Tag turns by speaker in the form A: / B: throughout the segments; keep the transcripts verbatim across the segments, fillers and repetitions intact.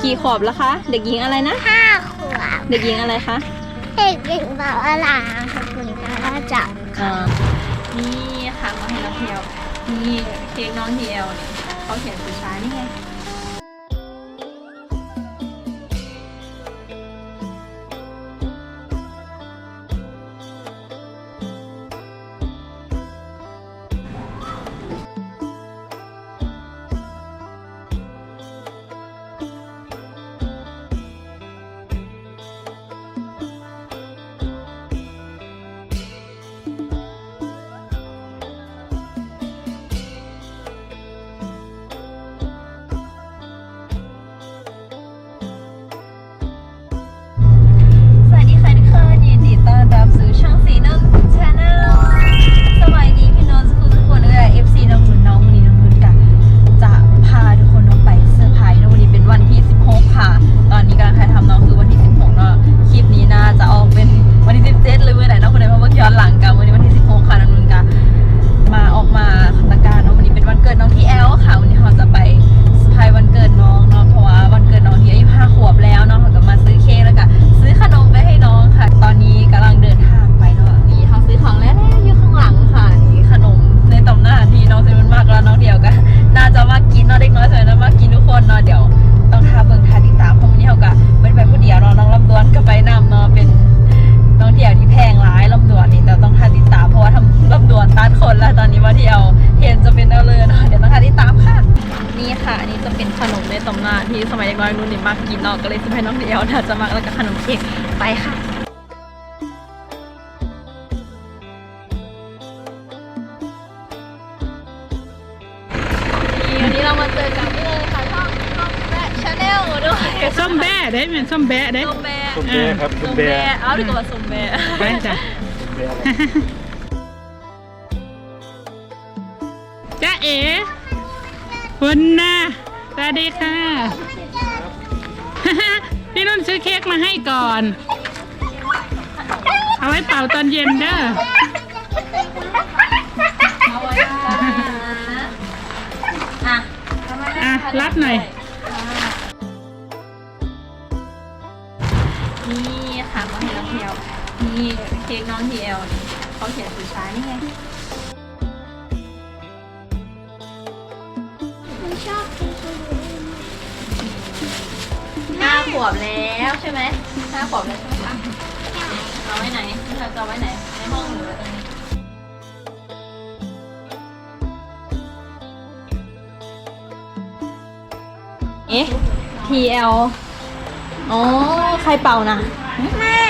A: กี่ขวบแล้วคะเด็กหญิงอะไรนะ
B: ห้าขวบ
A: เด็กหญิงอะไรคะ
B: เด็กหญิงบ่าวอลาขอบคุณค่ะจับ
A: นี่ค่ะมาให้น้องเทียวนี่เค้กน้องเทียวเนี่ยเขาเขียนสุดท้ายนี่ไงที่สมัยเด็กน้อยนุ่นนี่มากกินเนาะก็เลยซื้อให้น้องเดียวน่าจะมากแล้วก็ขนมเค้กไปค่ะวันนี้เรามาเจอกันที่เลยค่ะช่องช่องแบะชาแนลด้วย
C: ส้มแบะได้เหมือนส้มแบะได้
A: ส้มแบะ
D: ส้มแบะครับ
A: ส้มแบะเอาดีกว่าส้มแบะ
C: ไปจ้ะจ้าเอ๋คุณนะสวัสดีค่ะพี่นุ่นซื้อเค้กมาให้ก่อนเอาไว้เป่าตอนเย็นเด้อ
A: อ่ะ
C: อ่ะรับหน่อย
A: นี่ค่ะมาให้น้องเทียวนี่เค้กน้องเทียวเขาเขียนสุดท้ายนี่ไง
B: ชอบกิน
A: ห้าขวบแล้วใช่ไหมห้าขวบแล้วใช่ไหมคะเอาไว้ไหนเราจะเอาไว้ไหนในห้องหรือตรงนี้เอ๊ะ ที แอล อ๋อใครเป่านะ
B: แม่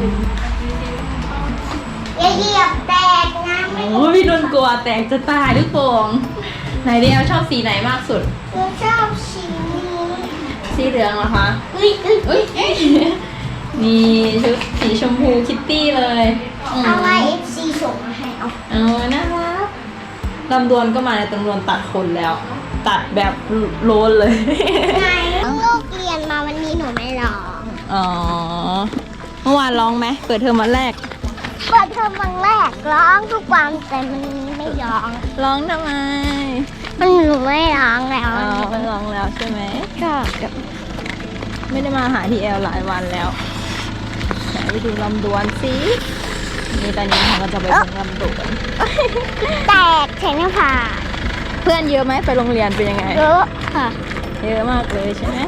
B: อย่าเหยียบแตกนะ
A: โอ้พี่นนท์กลัวแตกจะตายหรือโป่งไหนที แอล ชอบสีไหนมากสุด
B: หนูชอบสี
A: สีเหลืองเหรอคะ
B: อุ้ยอุ้ย
A: อุ้ยนี่ชุดสีชมพูคิตตี้เลย
B: เอาไว้เอฟซีส่งมาให้เอา
A: เอาน่ารักลำดวนก็มาในตำรวจตัดคนแล้ว ตัดแบบโลนเลย
B: ไงลูกเรียนมาวันนี้หนูไม่ร้อง
A: อ๋อเมื่อวานร้องไหมเปิดเทอมวันแรก
B: เปิดเทอมวันแรกร้องทุกวันแต่มันไม่ร้อง
A: ร้องทำไม
B: มันหนูไม่ร้องแล้ว
A: อ๋อไม่ร้องแล้วใช่ไหมก็ไม่ได้มาหาทีแอลหลายวันแล้วไปดูลำดวนสินี่ตอนนี้เราก็จะไปดูลำดวน
B: แตกแขนผ่า
A: เพื่อนเยอะไหมไปโรงเรียนเป็นยังไง
B: เยอะค่ะ
A: เยอะมากเลยใช่ไหม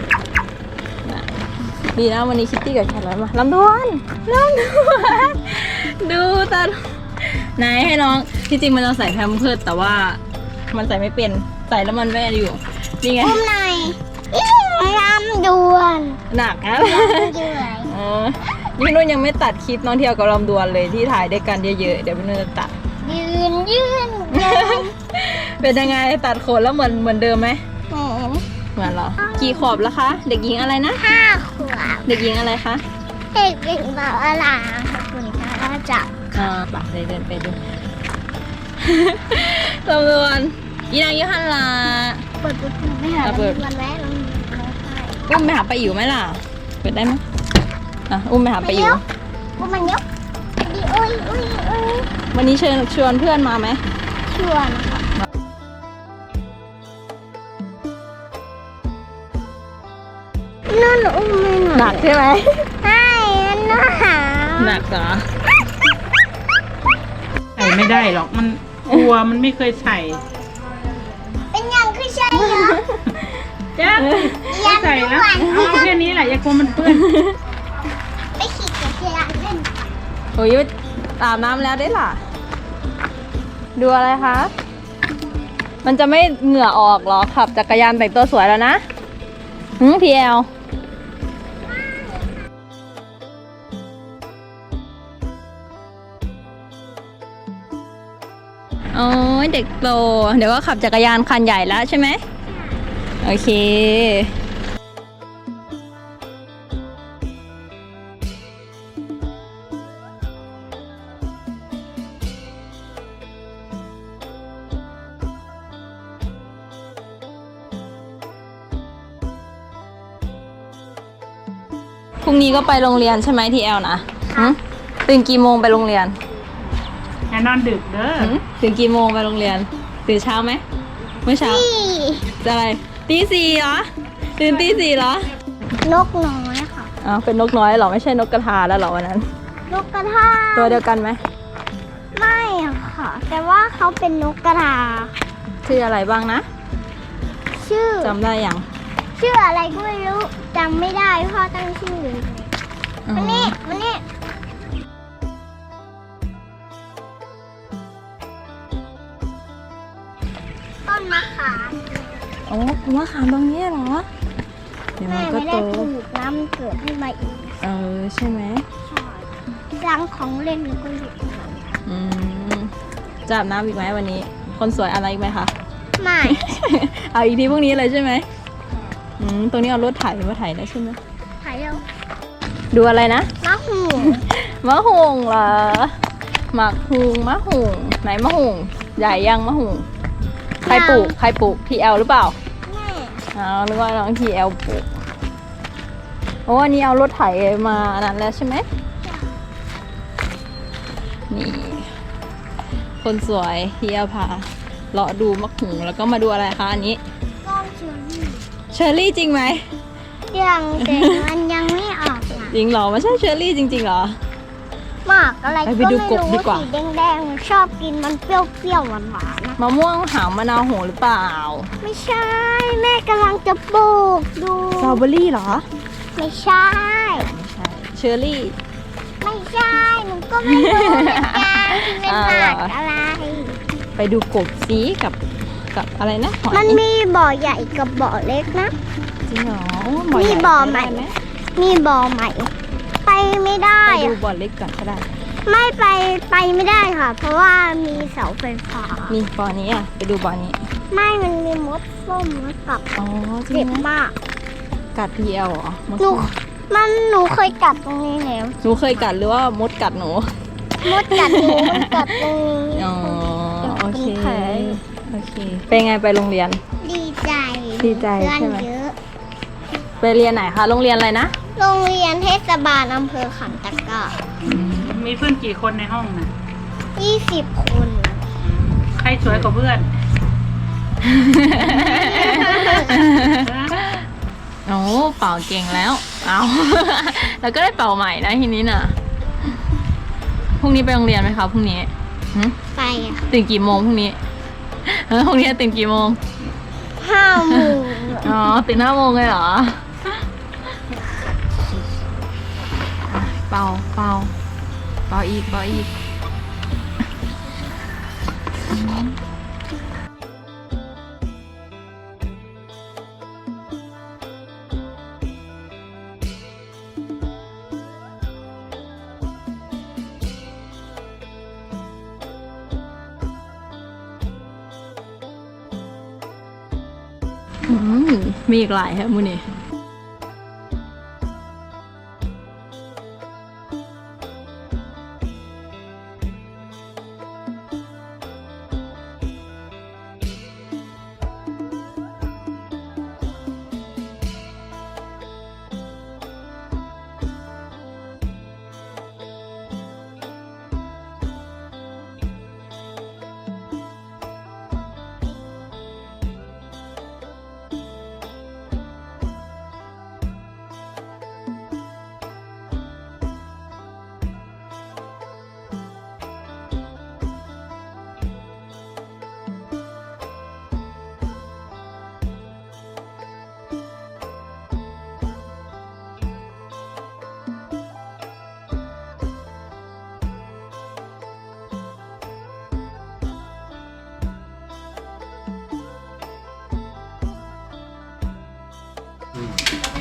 A: ดีนะวันนี้คิตตี้กับแคทมาลำดวนลำดวนดูตาไหนให้น้องที่จริงมันเราใส่แพมเพิร์สแต่ว่ามันใส่ไม่เป็นใส่แล้วมันไม่อยู่นี่ไง
B: อุ้มหน่อยลำดวน
A: หนักนะอ๋อพี่นุ่นยังไม่ตัดคลิปน้องเที่ยวกับลำดวนเลยที่ถ่ายด้วยกันเยอะๆเดี๋ยวพี่นุ่นจะตัด
B: ยืนยืน
A: เป็นยังไงตัดขนแล้วเหมือนเหมือนเดิมไหม
B: เหมือน
A: เหมือนเหรอกี่ขวบแล้วคะเด็กหญิงอะไรนะ
B: ห้าขวบ
A: เด็กหญิงอะไรคะ
B: เด็กหญิงบ่าวอลาขอบคุณค่ะจับ
A: อ่าปากเลยเดินไปดูตำรวจยีนางยุหันลา
B: เปิดประตูไม่หาวันแรกเรา
A: อุ้มไปหาไปอยู่ไหมล่ะเปิดได้ไหมอ่ะอุ้มไปหาไปอยู่
B: อุ้มมันยกดีอุ้ยอุ้ยอุ้ย
A: วันนี้เชิญชวนเพื่อนมาไหม
B: ชวนค่ะหนูอุ้มไม่หนู
A: หนักใช่ไหม
B: ใช่มันหนาว
A: หนักเหรอ
C: ใส่ไม่ได้หรอกมันกลัวมันไม่เคยใส่
B: เป็นยังคือใช่เหรอ
C: จ้าไม่ใส่แล้วเอาแค่นี้แหละอย่ากลัวมันเปื้อน
B: ไปขี่จักรยานเล่น
A: โอ้ยอาบน้ำแล้วได้ล่ะ ดูอะไรคะ มันจะไม่เหงื่อออกเหรอขับจักรยานแต่งตัวสวยแล้วนะหืมพีเอลโอ้ยเด็กโต เดี๋ยวก็ขับจักรยานคันใหญ่แล้วใช่ไหม โอเค พรุ่งนี้ก็ไปโรงเรียนใช่ไหมทีแอลนะหืมตื่นกี่โมงไปโรงเรียน
C: อย่านอนดึกเด้อ
A: หืมตื่นกี่โมงไปโรงเรียน ตื่นเช้าไหมเมื่อเช้า
B: นี่
A: จะอะไรตีสี่เหรอ ตื่นตีสี่เหรอน
B: กน้อยค่ะ
A: อ๋อเป็นนกน้อยเหรอ ไม่ใช่นกกระทาแล้วเหรอวันนั้น
B: นกกระทา
A: ตัวเดียวกันไหม
B: ไม่อะค่ะ แต่ว่าเขาเป็นนกกระทา
A: ชื่ออะไรบ้างนะ
B: ชื่อ
A: จำได้ยัง
B: ชื่ออะไรก็ไม่รู้จำไม่ได้พ่อตั้งชื่อเลย
A: อ๋อ
B: มันนี่มันนี่ต้นมะขาม
A: โอ้มะขามตรงนี้เหรอ เดี๋ยว
B: แม่
A: มันก็
B: ไม่
A: โต
B: ได้ปลูกน้ำมันเกิดให้มาอีก
A: เออใช่ไหม
B: ใช่รังของเล่นแล้วก็หยุด
A: อืมจะอาบน้ำอีกไหมวันนี้ คนสวยอะไรอีกไหมคะ
B: ไม่
A: เอาอีกทีพรุ่งนี้เลยใช่ไหมอืมตรงนี้เอารถไถมาไถได้ใช่ไหม
B: ถ่ายเร็ว
A: ดูอะไรนะ
B: มะหู
A: มะฮุงเหรอหมักฮุงมะฮุงไหนมะฮุงใหญ่ยังมะฮุงใครปลูกใครปลูกทีแอลหรือเปล่า
B: แม่
A: อ๋อนึกว่าน้องทีแอลปลูกโอ้อันนี้เอารถไถมาอันนั้นแล้วใช่ไหมนี่ คนสวยทีแอลพาเลาะดูมะฮุงแล้วก็มาดูอะไรคะอันนี้
B: ก้อนเชอรี่
A: เชอร์รี่จริงไหม
B: ยังแต่มันยังไม่ออกนะ
A: จริงเหรอไม่ใช่เชอร์รี่จริงๆเหรอ
B: หมากอะไร
A: ไป
B: ก็
A: ไป
B: ไม่
A: ดู
B: รู้
A: กบดีกว่า
B: สีแดงๆมันชอบกินมันเปรี้ยวๆหวานๆนะ
A: มะม่วงหาวมะนาวโหหรือเปล่า
B: ไม่ใช่ แม่กำลังจะปลูกดู
A: สตรอเบอรี่เหรอ
B: ไม่ใช่
A: ไม่ใช่เชอร์รี่
B: ไม่ใช่หนูก็ไม่รู้เหมือนกันเป็น
A: อ่า
B: หมากอะไร
A: ไปดูกบสีกับกับอะไรนะหอย
B: มันมีบ่อใหญ่กับบ่อเล็กนะ
A: จริงเหรอ
B: มี
A: ใญ่
B: บ่อใหม่
A: ไปได้ไหม
B: มีบ่อใหม่ ไปไม่ได้
A: ไปดู
B: อะ
A: บ่อเล็กก่อนก็ได้
B: ไม่ไปไปไม่ได้ค่ะ เพราะว่ามีเสาไฟฟ้า
A: นี่บ่อนี้อ่ะไปดูบ่อนี้
B: ไม่มันมีมดส้มมากับ
A: อ๋อจริ
B: เจ็
A: ง
B: บ
A: ไหม
B: มาก
A: กัดพีเอลเหรอมด
B: หนูมันหนูเคยกัดตรงนี้แล้ว
A: หนูเคยกัดหรือว่ามดกัดหนู
B: มดกัดหนูมันกัดตรงนี้
A: อ๋อโอเค
B: เป็นแผล
A: โอเคเป็นไงไปโรงเรียน
B: ดีใจ
A: ดีใจ
B: เพื่อน
A: ใช่ไหม
B: เยอะ
A: ไปเรียนไหนคะโรงเรียนอะไรนะ
B: โรงเรียนเทศบาลอำเภอขันตะกร้า
C: มีเพื่อนกี่คนในห้องน่ะ
B: ยี่สิบคน
C: ใครสวยกว่าเพื่อน
A: โอ้เป่าเก่งแล้ว เอา แล้วก็ได้เป่าใหม่นะทีนี้น่ะ พรุ่งนี้ไปโรงเรียนไหมคะพรุ่งนี้หึ
B: ไปอะ
A: ตื่นกี่โมงพรุ่งนี้เออพรุ่งนี้ตื่นกี่โมง
B: ห้าโมง
A: อ๋อตื่นห้าโมงเลยเหรอ เป่าเป่าเป่าอีกเป่าอีก อืมมีอีกหลายครับมูนี่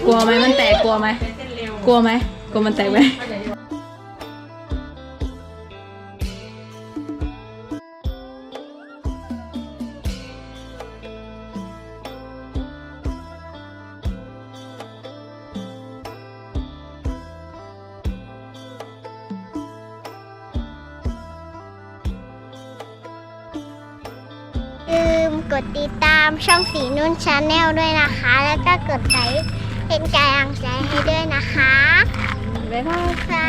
A: กลัวไหมมันแตกกลัวไหมกลัวไหมกลัวมันแตกไหม
B: ลืมกดติดตามช่องสีนุ่นชาแนลด้วยนะคะ แล้วก็กดไลค์เป็นกำลังใจให้ด้วยนะคะ
A: บ๊ายบาย
B: ค่ะ